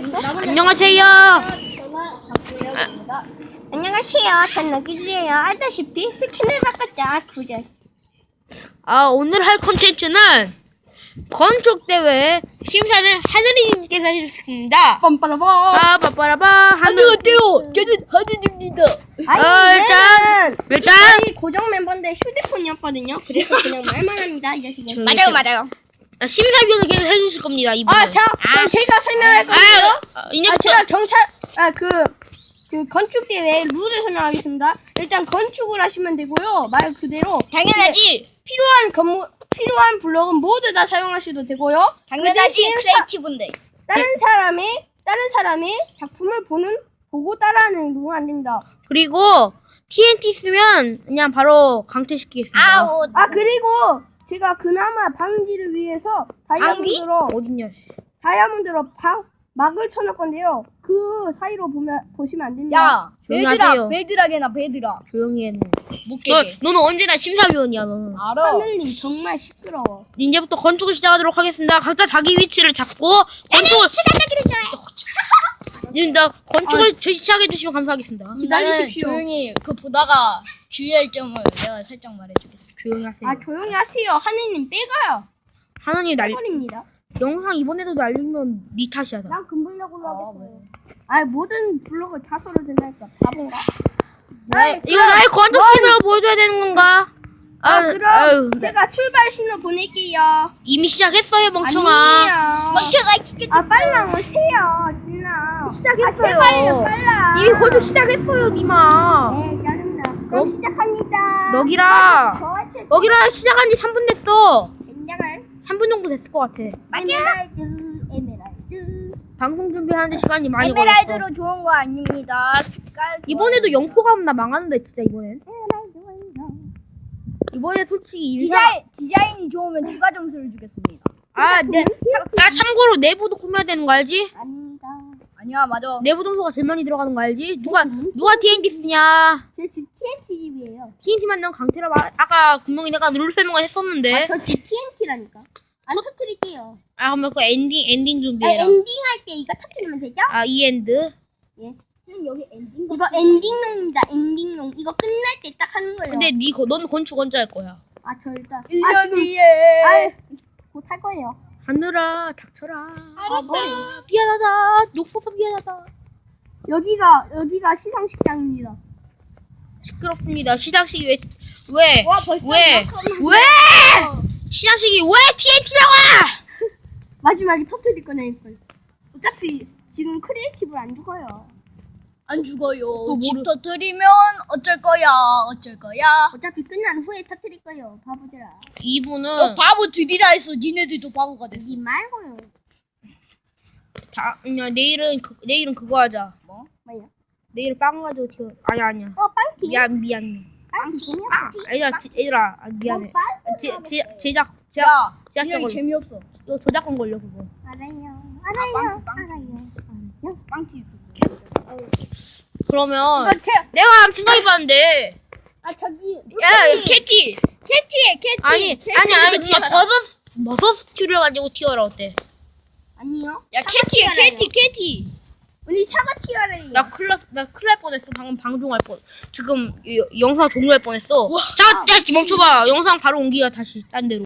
됐어? 안녕하세요. 안녕하세요. 전 너기즈예요. 알다시피 스킨을 바꿨자 구절. 오늘 할 콘텐츠는 건축대회 심사는 하늘이님께서 해주셨습니다. 빰빠라바. 빠빠라바 안녕하세요. 저는 하늘입니다. 일단 저희 고정 멤버인데 휴대폰이었거든요. 그래서 그냥 말만 합니다. 이 자식은. 맞아요. 심사위원을 계속 해주실 겁니다. 이분은. 그럼 제가 설명할 건데요. 이제부터 제가 그 건축대회 룰을 설명하겠습니다. 일단 건축을 하시면 되고요. 말 그대로. 당연하지. 필요한 블록은 모두 다 사용하셔도 되고요. 당연하지. 그 대신 크리에이티브인데. 다른 사람의 작품을 보고 따라하는 건 안 됩니다. 그리고 TNT 쓰면 그냥 바로 강퇴시키겠습니다. 그리고 제가 그나마 방지를 위해서 어딨냐? 다이아몬드로 막을 쳐놓을 건데요. 그 사이로 보시면 안 됩니다. 조용히 하세요. 베드락이나 베드락. 조용히 해. 못 깨게. 너는 언제나 심사위원이야. 너는. 알아. 하늘님 정말 시끄러워. 이제부터 건축을 시작하도록 하겠습니다. 각자 자기 위치를 잡고 건축을 건축을 시작해 주시면 감사하겠습니다. 기다리십시오. 나는 조용히 보다가 주의할 점을 내가 살짝 말해주겠어. 조용히 하세요. 조용히 하세요. 하늘님 빼가요. 하나님 빼버립니다. 영상 이번에도 날리면 네 탓이야. 나. 난 금블럭으로 하겠어요. 모든 블럭을 다 써도 된다니까. 바본가? 이거 나의 건축 신호를 보여줘야 되는 건가? 그럼 제가 출발 신호 보낼게요. 이미 시작했어요, 멍청아. 아니에요. 빨랑 오세요, 진아. 시작했어요. 제발요, 빨라. 이미 건축 시작했어요, 니마. 네, 짜증나. 그럼 시작합니다. 너기라 시작한 지 3분 됐어. 엔장을. 3분 정도 됐을 것 같아. 에메랄드. 방송 준비하는데 시간이 많이 걸렸어. 에메랄드로 좋은 거 아닙니다. 색깔. 이번에도 영포가 없나 망하는데 진짜 이번엔. 이번에 솔직히 디자인이 좋으면 추가 점수를 주겠습니다. 나 참고로 내부도 꾸며야 되는 거 알지? 아닙니다. 아니야, 맞아. 내부 점수가 제일 많이 들어가는 거 알지? 누가 TNT 쓰냐? 제 집 TNT 집이에요. TNT만 넣으면 강태라 아까 분명히 내가 룰 설명을 했었는데. 저 집 TNT라니까. 안 터뜨릴게요. 그러면 그 엔딩 준비해라. 엔딩 할 때 이거 터뜨리면 되죠? 이 엔드. 예. 여기 엔딩. 이거 엔딩용입니다. 엔딩용. 이거 끝날 때 딱 하는 거예요. 근데 넌 건축 언제 할 거야? 저 일단 1년 뒤에. 곧 할 거예요. 하늘아 닥쳐라. 알았다. 미안하다. 욕써서 미안하다. 여기가 시상식장입니다. 시끄럽습니다. 시상식이 왜? 와, 벌써 왜? 시상식이 왜 TNT 나와? 마지막에 터뜨릴 거네. 어차피 지금 크리에이티브를 안 죽어요. 안 죽어요. 또 집 모르- 터뜨리면 어쩔 거야. 어차피 끝난 후에 터뜨릴 거예요. 바보들아. 이분은 바보들이라 해서 니네들도 바보가 됐어. 하지 말고요. 내일은 그거 하자. 뭐? 뭐야? 내일 빵 가지고 튀어. 아니야. 빵티. 미안. 빵티. 얘들아 미안해. 제작 야, 걸려. 분명히 재미없어. 이거 저작권 걸려 그거. 알아요. 빵티. 그러면 이거 내가 생각해봤는데. 저기. 야 캐티. 캐티. 아니 진짜 버섯 스튜를 가지고 튀어라 어때? 아니요. 야, 캐티. 우리 사과 티어래요. 나 큰일 날 뻔했어. 방금 방종할 뻔. 지금 영상 종료할 뻔했어. 자, 멈춰봐. 영상 바로 옮기야 다시 딴 데로.